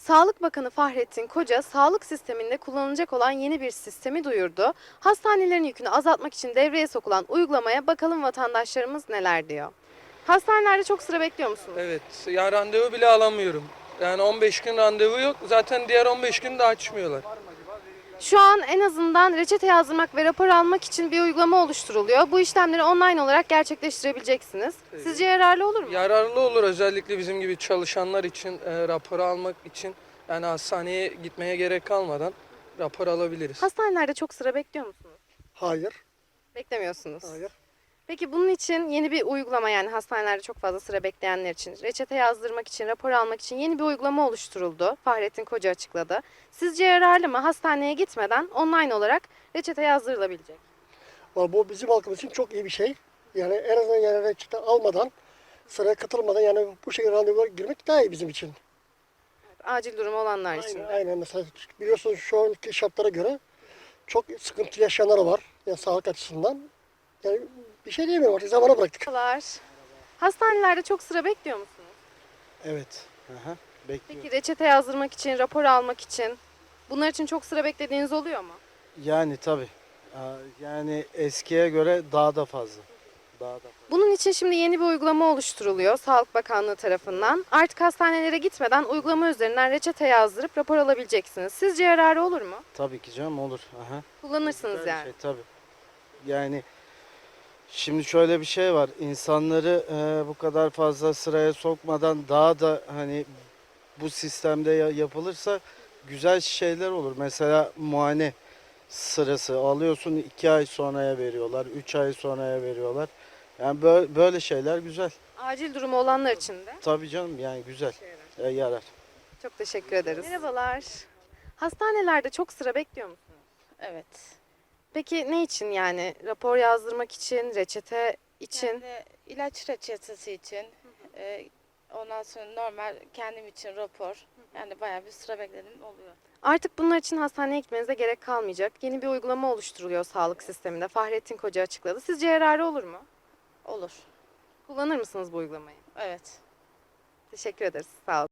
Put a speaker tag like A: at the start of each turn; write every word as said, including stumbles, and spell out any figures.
A: Sağlık Bakanı Fahrettin Koca, sağlık sisteminde kullanılacak olan yeni bir sistemi duyurdu. Hastanelerin yükünü azaltmak için devreye sokulan uygulamaya bakalım vatandaşlarımız neler diyor. Hastanelerde çok sıra bekliyor musunuz?
B: Evet, ya randevu bile alamıyorum. Yani on beş gün randevu yok. Zaten diğer on beş gün de açmıyorlar.
A: Şu an en azından reçete yazdırmak ve rapor almak için bir uygulama oluşturuluyor. Bu işlemleri online olarak gerçekleştirebileceksiniz. Sizce yararlı olur mu?
B: Yararlı olur özellikle bizim gibi çalışanlar için, e, raporu almak için. Yani hastaneye gitmeye gerek kalmadan rapor alabiliriz.
A: Hastanelerde çok sıra bekliyor musunuz?
C: Hayır,
A: Beklemiyorsunuz.
C: hayır.
A: Peki bunun için yeni bir uygulama, yani hastanelerde çok fazla sıra bekleyenler için, reçete yazdırmak için, rapor almak için yeni bir uygulama oluşturuldu. Fahrettin Koca açıkladı. Sizce yararlı mı? Hastaneye gitmeden online olarak reçete yazdırılabilecek.
C: Ama bu bizim halkımız için çok iyi bir şey. Yani en azından yani reçete almadan, sıraya katılmadan yani bu şekilde randevulara girmek daha iyi bizim için.
A: Acil durumu olanlar için.
C: Aynen, aynen. Mesela biliyorsunuz şu anki şartlara göre çok sıkıntı yaşayanlar var. Yani sağlık açısından. Yani bir şey diyemiyorum artık zamana bıraktık.
A: Merhabalar. Hastanelerde çok sıra bekliyor musunuz?
D: Evet. Aha, bekliyorum.
A: Peki reçete yazdırmak için, rapor almak için bunlar için çok sıra beklediğiniz oluyor mu?
D: Yani tabii. Aa, Yani eskiye göre daha da fazla. Daha da fazla.
A: Bunun için şimdi yeni bir uygulama oluşturuluyor Sağlık Bakanlığı tarafından. Artık hastanelere gitmeden uygulama üzerinden reçete yazdırıp rapor alabileceksiniz. Sizce yararı olur mu?
D: Tabii ki canım olur. Aha.
A: Kullanırsınız
D: Güzel bir
A: yani.
D: Şey, tabii. Yani şimdi şöyle bir şey var. İnsanları e, bu kadar fazla sıraya sokmadan daha da hani bu sistemde ya- yapılırsa güzel şeyler olur. Mesela muayene sırası alıyorsun, iki ay sonraya veriyorlar, üç ay sonraya veriyorlar. Yani böyle, böyle şeyler güzel.
A: Acil durumu olanlar için de.
D: Tabii canım, yani güzel. E, yarar.
A: Çok teşekkür ederiz. Merhabalar. Hastanelerde çok sıra bekliyor musunuz?
E: Evet.
A: Peki ne için, yani rapor yazdırmak için, reçete için?
E: Yani ilaç reçetesi için, e, ondan sonra normal kendim için rapor. Yani bayağı bir sıra bekledim oluyor.
A: Artık bunlar için hastaneye gitmenize gerek kalmayacak. Yeni bir uygulama oluşturuluyor sağlık sisteminde. Fahrettin Koca açıkladı. Sizce yararı olur mu?
E: Olur.
A: Kullanır mısınız bu uygulamayı?
E: Evet.
A: Teşekkür ederiz. Sağ olun.